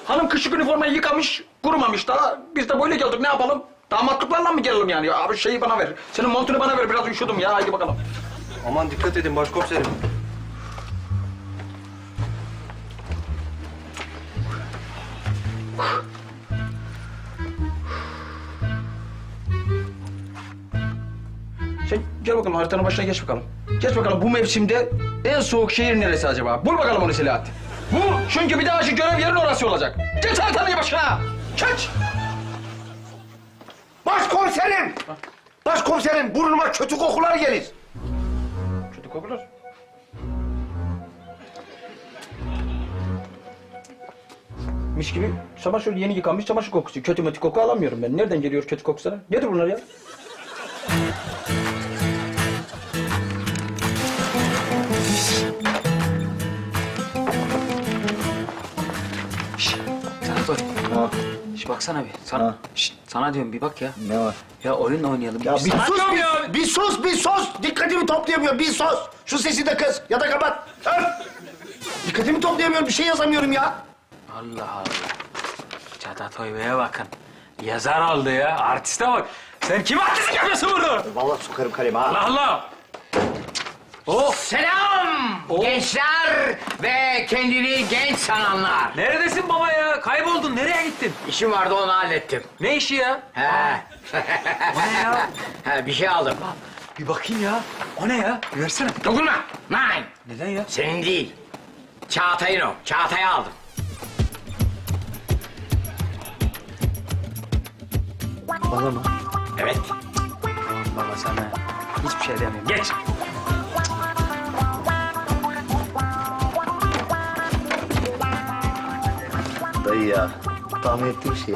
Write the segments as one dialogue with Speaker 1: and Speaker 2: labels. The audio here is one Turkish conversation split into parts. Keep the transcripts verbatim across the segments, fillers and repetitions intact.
Speaker 1: Hanım kışlık üniformayı yıkamış, kurumamış daha. Biz de böyle geldik, ne yapalım? Damatlıklarla mı gelelim yani? Abi şeyi bana ver. Senin montunu bana ver, biraz üşüdüm ya. Haydi bakalım.
Speaker 2: Aman dikkat edin başkomiserim.
Speaker 1: Sen gel bakalım, haritanın başına geç bakalım. Geç bakalım, bu mevsimde en soğuk şehir neresi acaba? Bul bakalım onu Selahattin. Bu çünkü bir daha şu görev yerin orası olacak. Geç haritanın başına. Geç.
Speaker 3: Başkomiserim! Başkomiserim, burnuma kötü kokular gelir.
Speaker 1: Kötü kokular. Mis gibi çamaşır yeni yıkanmış çamaşır kokusu. Kötü mötü koku alamıyorum ben. Nereden geliyor kötü koku sana? Nedir bunlar ya?
Speaker 4: Doktor. Şş, baksana bir. Sana,
Speaker 3: Ha.
Speaker 4: şş, sana diyorum bir bak ya.
Speaker 3: Ne var?
Speaker 4: Ya oyun oynayalım.
Speaker 3: Ya bir
Speaker 4: Sana
Speaker 3: sus,
Speaker 4: diyorum
Speaker 3: bir,
Speaker 4: ya.
Speaker 3: bir sus, bir sus! Dikkatimi toplayamıyorum, bir sus! Şu sesi de kız, ya da kapat. Öf! Dikkatimi toplayamıyorum, bir şey yazamıyorum ya.
Speaker 4: Allah Allah. Çatat Bey'e bakın. Yazar oldu ya. Artiste bak. Sen kim artistlik yapıyorsun burada?
Speaker 3: Vallahi sokarım kalemi ha.
Speaker 4: Allah Allah.
Speaker 3: Oh!
Speaker 5: Selam gençler ve kendini genç sananlar.
Speaker 4: Neredesin baba ya? Kayboldun. Nereye gittin?
Speaker 5: İşim vardı onu hallettim.
Speaker 4: Ne işi ya?
Speaker 5: He.
Speaker 4: O ne ya?
Speaker 5: He, bir şey aldım.
Speaker 4: Bir bakayım ya. O ne ya? Bir versene.
Speaker 5: Dokunma. Nein.
Speaker 4: Neden ya?
Speaker 5: Senin değil. Çağatay'ın o. Çağatay'ı aldım.
Speaker 4: Bana mı?
Speaker 5: Evet.
Speaker 4: Baba sana hiçbir şey demiyorum. Geç.
Speaker 3: Dayı ya, tahmin ettiğim şey.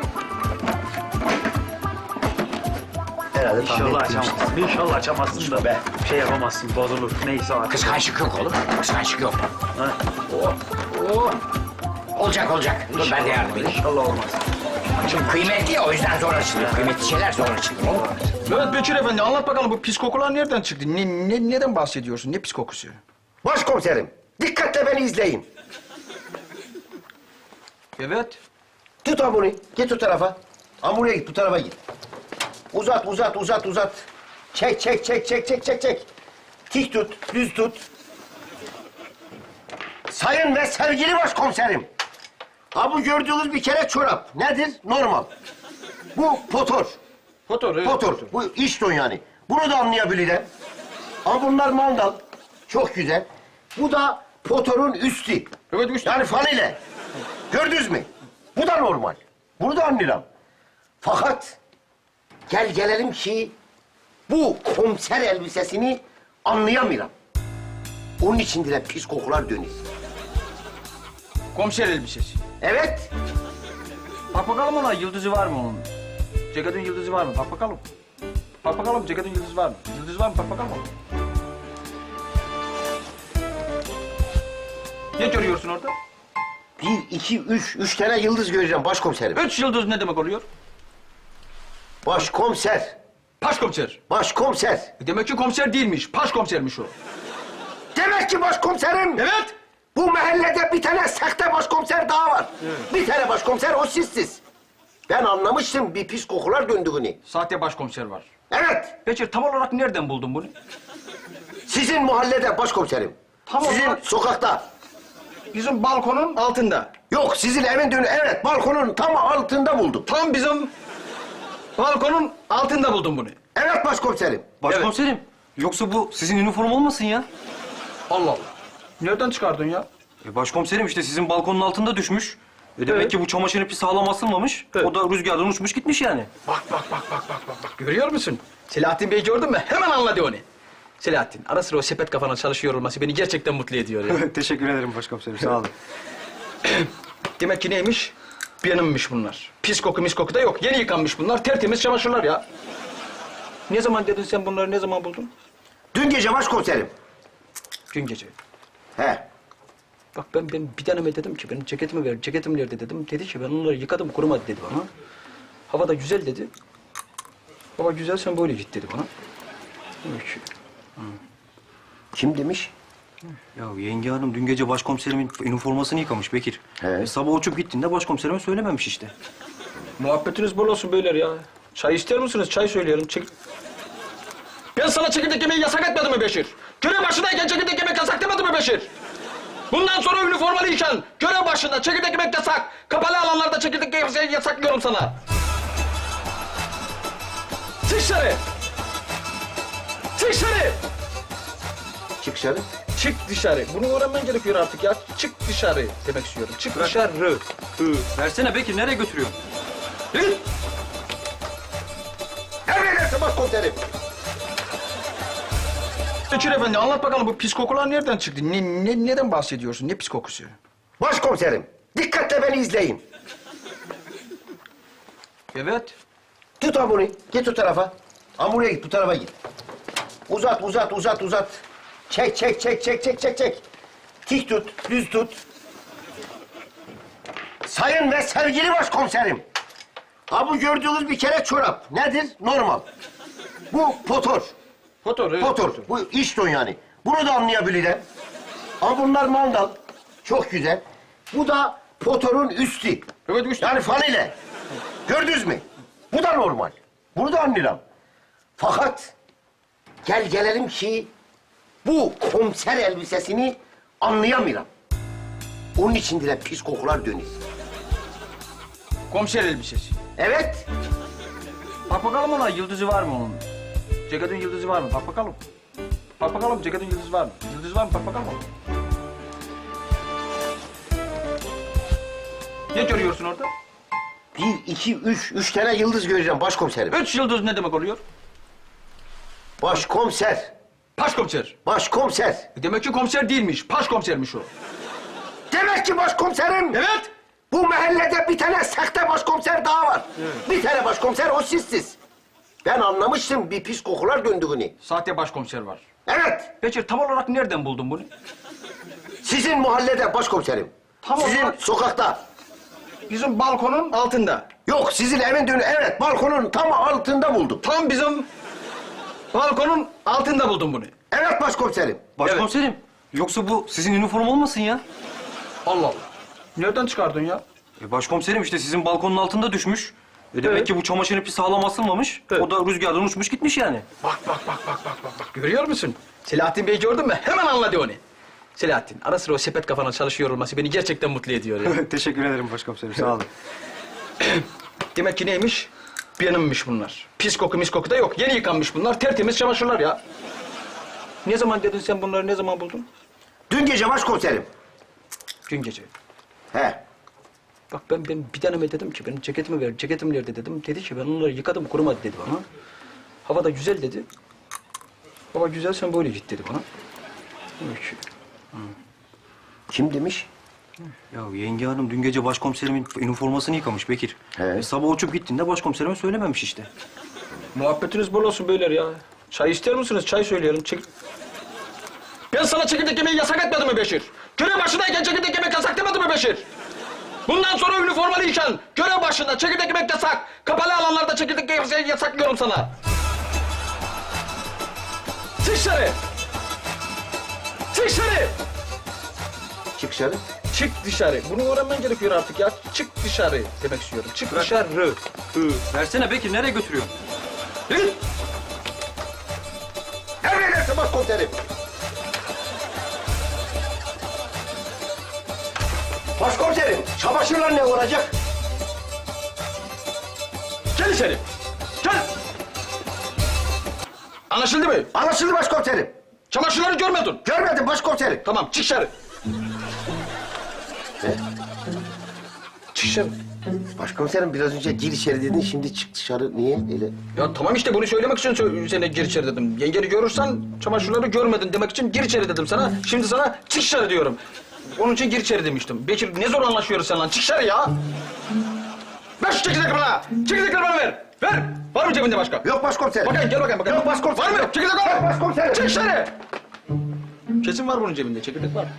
Speaker 3: Herhalde tahmin
Speaker 4: İnşallah
Speaker 3: ettiğim şey.
Speaker 4: açamazsın. İnşallah açamazsın da be. Şey yapamazsın, bozulur. Neyse artık.
Speaker 5: Kıskançlık yok oğlum. Kıskançlık yok.
Speaker 4: Ha.
Speaker 5: Oh. Oh. Olacak olacak. Dur ben de yardım edeyim.
Speaker 4: İnşallah olmaz.
Speaker 5: Çünkü kıymetli ya o yüzden zor açılıyor. Kıymetli şeyler zor açılıyor oğlum.
Speaker 1: Evet Bekir Efendi, anlat bakalım bu pis kokular nereden çıktı? Ne, ne, neden bahsediyorsun? Ne pis kokusu?
Speaker 3: Başkomiserim, dikkatle beni izleyin.
Speaker 1: Evet.
Speaker 3: Tut hamuru, git o tarafa. Hamuraya git, bu tarafa git. Uzat, uzat, uzat, uzat. Çek, çek, çek, çek, çek, çek, çek. Tik tut, düz tut. Sayın ve sevgili başkomiserim. Ha bu gördüğünüz bir kere çorap. Nedir? Normal. Bu potor.
Speaker 1: Fotor, evet.
Speaker 3: Potor. Bu iş don yani. Bunu da anlayabilirim. Ama bunlar mandal. Çok güzel. Bu da potorun üstü.
Speaker 1: Evet, üstü.
Speaker 3: Yani fanile. Gördünüz mü? Bu da normal. Bunu da anlıyorum. Fakat gel gelelim ki bu komiser elbisesini anlayamıyorum. Onun için de pis kokular dönüyor.
Speaker 1: Komiser elbisesi.
Speaker 3: Evet.
Speaker 1: Bak bakalım ona, yıldızı var mı onun? Ceketin yıldızı var mı? Bak bakalım. Bak bakalım, ceketin yıldızı var mı? Yıldız var mı? Bak bakalım. Ne görüyorsun orada?
Speaker 3: Bir, iki, üç, üç tane yıldız göreceğim başkomiserim.
Speaker 1: Üç yıldız ne demek oluyor?
Speaker 3: Başkomiser.
Speaker 1: Paşkomiser.
Speaker 3: Başkomiser.
Speaker 1: E demek ki komiser değilmiş, paşkomisermiş o.
Speaker 3: Demek ki başkomiserim.
Speaker 1: Evet.
Speaker 3: Bu mahallede bir tane sahte başkomiser daha var. Bir tane başkomiser, o sizsiz. Ben anlamıştım bir pis kokular döndüğünü.
Speaker 1: Sahte başkomiser var.
Speaker 3: Evet,
Speaker 1: Bekir, tam olarak nereden buldun bunu?
Speaker 3: sizin mahallede başkomiserim.
Speaker 1: Tam
Speaker 3: sizin
Speaker 1: olarak-
Speaker 3: sokakta.
Speaker 1: Bizim balkonun altında.
Speaker 3: Yok, sizin evin önü. Evet, balkonun tam altında buldum.
Speaker 1: Tam bizim balkonun altında buldum bunu.
Speaker 3: Evet başkomiserim.
Speaker 2: Başkomiserim. Yoksa bu sizin üniforma olmasın ya?
Speaker 1: Allah Allah. Nereden çıkardın ya?
Speaker 2: E başkomiserim işte sizin balkonun altında düşmüş. E demek
Speaker 1: Evet.
Speaker 2: ki bu çamaşır ipi sağlam asılmamış.
Speaker 1: Evet.
Speaker 2: O da rüzgardan uçmuş gitmiş yani.
Speaker 1: Bak bak bak bak bak bak bak. Görüyor musun? Selahattin Bey gördün mü? Hemen anladı onu. Selahattin, ara sıra o sepet kafana çalışıyor olması beni gerçekten mutlu ediyor ya.
Speaker 2: Teşekkür ederim başkomiserim. Sağ olun.
Speaker 1: Demek ki neymiş? Benimmiş bunlar. Pis koku mis koku da yok. Yeni yıkanmış bunlar. Tertemiz çamaşırlar ya. Ne zaman dedin sen bunları, ne zaman buldun?
Speaker 3: Dün gece başkomiserim.
Speaker 1: Dün gece.
Speaker 3: He.
Speaker 1: Bak ben, ben bir taneme dedim ki benim ceketimi ver, ceketim nerede dedim. Dedi ki ben onları yıkadım kurumadı dedi bana. Hava da güzel dedi. Hava güzel sen böyle git dedi bana. Demek ki
Speaker 3: Kim demiş?
Speaker 2: Ya yenge hanım dün gece başkomiserimin üniformasını yıkamış Bekir.
Speaker 3: He.
Speaker 2: E, sabah uçup gittiğinde başkomiserime söylememiş işte.
Speaker 1: Muhabbetiniz bol olsun beyler ya. Çay ister misiniz? Çay söyleyelim. Çek... Ben sana çekirdek yemeği yasak etmedim mi Beşir? Görev başındayken çekirdek yemek yasak demedim mi Beşir? Bundan sonra üniformalıyken görev başında çekirdek yemek yasak. Kapalı alanlarda çekirdek yemek yasaklıyorum sana. Çık dışarı. Çık dışarı.
Speaker 3: Çık dışarı.
Speaker 1: Çık dışarı. Bunu öğrenmen gerekiyor artık ya. Çık dışarı demek istiyorum. Çık dışarı.
Speaker 2: Hı. Versene Bekir, nereye götürüyorsun?
Speaker 1: Hı?
Speaker 3: Emredersin başkomiserim.
Speaker 1: Bekir Efendi anlat bakalım bu pis kokular nereden çıktı? Ne, ne, neden bahsediyorsun? Ne pis kokusu?
Speaker 3: Başkomiserim, dikkatle beni izleyin.
Speaker 1: Evet.
Speaker 3: Tut ha bunu, git o tarafa. Ha buraya git, bu tarafa git. Uzat, uzat, uzat, uzat. Çek, çek, çek, çek, çek, çek, çek. Tik tut, düz tut. Sayın ve sevgili başkomiserim. Ha bu gördüğünüz bir kere çorap. Nedir? Normal. Bu potor.
Speaker 1: Fotoğraf. Evet.
Speaker 3: Potor. Bu iş don yani. Bunu da anlayabilirim. Ama bunlar mandal. Çok güzel. Bu da potorun üstü.
Speaker 1: Evet üstü.
Speaker 3: Yani fanile. Gördünüz mü? Bu da normal. Bunu da anlarım. Fakat gel gelelim ki bu komiser elbisesini anlayamıyorum. Onun içinde de pis kokular dönüyor.
Speaker 1: Komiser elbisesi.
Speaker 3: Evet.
Speaker 1: Bak bakalım ona yıldızı var mı onun? Ceketin yıldızı var mı? Bak bakalım. Bak bakalım ceketin yıldızı var mı? Yıldız var mı? Bak bakalım. Ne görüyorsun orada?
Speaker 3: Bir, iki, üç. Üç tane yıldız göreceğim başkomiserim.
Speaker 1: Üç yıldız ne demek oluyor?
Speaker 3: Başkomiser.
Speaker 1: Paşkomiser.
Speaker 3: Başkomiser.
Speaker 1: Demek ki komiser değilmiş. Paşkomisermiş o.
Speaker 3: Demek ki başkomiserim.
Speaker 1: Evet.
Speaker 3: Bu mahallede bir tane sahte başkomiser daha var. Bir tane başkomiser o sizsiz. Ben anlamıştım bir pis kokular döndüğünü.
Speaker 1: Sahte başkomiser var.
Speaker 3: Evet.
Speaker 1: Bekir tam olarak nereden buldun bunu?
Speaker 3: Sizin mahallede başkomiserim.
Speaker 1: Tamam,
Speaker 3: Sizin
Speaker 1: tamam.
Speaker 3: sokakta.
Speaker 1: Bizim balkonun altında.
Speaker 3: Yok sizin evin önü. Evet balkonun tam altında buldum.
Speaker 1: Tam bizim balkonun altında buldum bunu.
Speaker 3: Evet başkomiserim.
Speaker 2: Başkomiserim, yoksa bu sizin üniform olmasın ya?
Speaker 1: Allah Allah. Nereden çıkardın ya?
Speaker 2: E başkomiserim işte sizin balkonun altında düşmüş. E demek
Speaker 1: Evet.
Speaker 2: ki bu çamaşır ipi sağlam asılmamış.
Speaker 1: Evet.
Speaker 2: O da rüzgardan uçmuş gitmiş yani.
Speaker 1: Bak bak bak bak bak bak bak. Görüyor musun? Selahattin Bey gördün mü? Hemen anladı onu. Selahattin ara sıra o sepet kafana çalışıyor olması beni gerçekten mutlu ediyor ya.
Speaker 2: Teşekkür ederim başkomiserim, sağ olun.
Speaker 1: Demek ki neymiş? Benimmiş bunlar. Pis koku mis koku da yok. Yeni yıkanmış bunlar. Tertemiz çamaşırlar ya. Ne zaman dedin sen bunları ne zaman buldun?
Speaker 3: Dün gece başkomiserim.
Speaker 1: Dün gece.
Speaker 3: He.
Speaker 1: Bak ben, ben bir taneme dedim ki benim ceketimi ver, ceketim nerede dedim. Dedi ki ben onları yıkadım kurumadı dedi bana. Hava da güzel dedi. Hava güzel sen böyle git dedi bana. Peki.
Speaker 3: Kim demiş?
Speaker 2: Ya yenge hanım dün gece başkomiserimin üniformasını yıkamış Bekir.
Speaker 3: He.
Speaker 2: E, sabah uçup gittiğinde başkomiserime söylememiş işte.
Speaker 1: Muhabbetiniz bol olsun beyler ya. Çay ister misiniz? Çay söyleyelim. Çek... Ben sana çekirdek yemeği yasak etmedim mi Beşir? Görev başındayken çekirdek yemek yasak demedim mi Beşir? Bundan sonra üniformalıyken görev başında çekirdek yemek yasak. Kapalı alanlarda çekirdek yemek yasaklıyorum sana. Çık dışarı. Çık dışarı.
Speaker 3: Çık dışarı.
Speaker 1: Çık dışarı. Bunu öğrenmen gerekiyor artık ya. Çık dışarı demek istiyorum. Çık dışarı.
Speaker 2: Hı. Versene Bekir, nereye götürüyorsun?
Speaker 1: Hı?
Speaker 3: Emredersin başkomiserim. Başkomiserim, çamaşırlar ne olacak?
Speaker 1: Gel içeri. Gel. Anlaşıldı mı?
Speaker 3: Anlaşıldı başkomiserim.
Speaker 1: Çamaşırları görmedin.
Speaker 3: Görmedim başkomiserim.
Speaker 1: Tamam çık dışarı.
Speaker 3: Ne?
Speaker 1: Çık dışarı.
Speaker 3: Başkomiserim biraz önce gir içeri dedin, şimdi çık dışarı. Niye öyle?
Speaker 1: Ya tamam işte bunu söylemek için sö- sana gir içeri dedim. Yengeni görürsen çamaşırları görmedin demek için gir içeri dedim sana. Şimdi sana çık dışarı diyorum. Onun için gir içeri demiştim. Bekir ne zor anlaşıyoruz seninle. Çık dışarı ya. Ver şu çekirdekleri bana. Çekirdekleri bana ver. Ver. Var mı cebinde başka?
Speaker 3: Yok başkomiserim.
Speaker 1: Bakayım gel bakayım bakayım.
Speaker 3: Yok başkomiserim.
Speaker 1: Var mı? Çekirdek var
Speaker 3: Yok
Speaker 1: mı?
Speaker 3: başkomiserim.
Speaker 1: Çık dışarı. Kesin var bunun cebinde. Çekirdek var.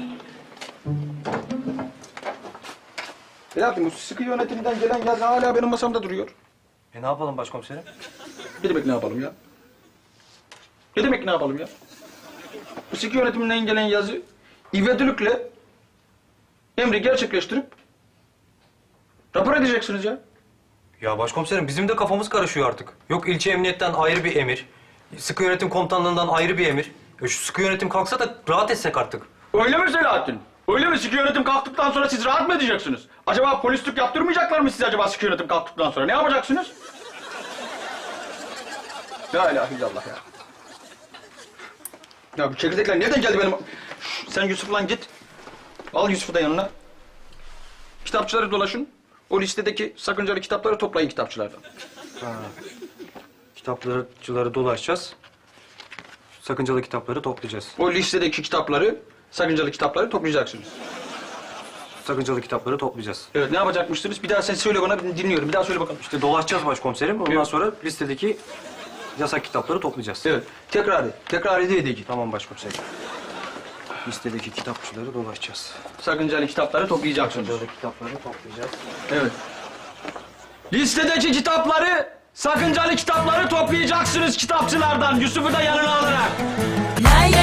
Speaker 1: Selahattin bu sıkı yönetiminden gelen yazı hala benim masamda duruyor.
Speaker 2: E ne yapalım başkomiserim?
Speaker 1: Ne demek ne yapalım ya? Ne demek ne yapalım ya? bu sıkı yönetiminden gelen yazı ivedilikle emri gerçekleştirip rapor edeceksiniz ya.
Speaker 2: Ya başkomiserim bizim de kafamız karışıyor artık. Yok ilçe emniyetten ayrı bir emir. Sıkı yönetim komutanlığından ayrı bir emir. Ya şu sıkı yönetim kalksa da rahat etsek artık.
Speaker 1: Öyle mi Selahattin? Öyle mi? Sıkı yönetim kalktıktan sonra siz rahat mı edeceksiniz? Acaba polislik yaptırmayacaklar mı size acaba sıkı yönetim kalktıktan sonra? Ne yapacaksınız? La ilahe illallah ya. Ya bu çekirdekler nereden geldi benim? Şş, sen Yusuf'la git. Al Yusuf'u da yanına. Kitapçıları dolaşın. O listedeki sakıncalı kitapları toplayın kitapçılardan.
Speaker 2: Kitapçıları dolaşacağız. Sakıncalı kitapları toplayacağız.
Speaker 1: O listedeki kitapları, sakıncalı kitapları toplayacaksınız.
Speaker 2: Sakıncalı kitapları toplayacağız.
Speaker 1: Evet, ne yapacakmışsınız? Bir daha sen söyle bana, ben dinliyorum. Bir daha söyle bakalım.
Speaker 2: İşte dolaşacağız başkomiserim. Ondan
Speaker 1: Evet.
Speaker 2: sonra listedeki yasak kitapları toplayacağız.
Speaker 1: Evet, tekrar et. Tekrar edeydik.
Speaker 2: Tamam başkomiserim. Listedeki kitapçıları dolaşacağız.
Speaker 1: Sakıncalı kitapları toplayacaksınız.
Speaker 2: Sakıncalı kitapları toplayacağız.
Speaker 1: Evet. Listedeki kitapları, sakıncalı kitapları toplayacaksınız kitapçılardan. Yusuf'u da yanına alarak.
Speaker 6: Lay lay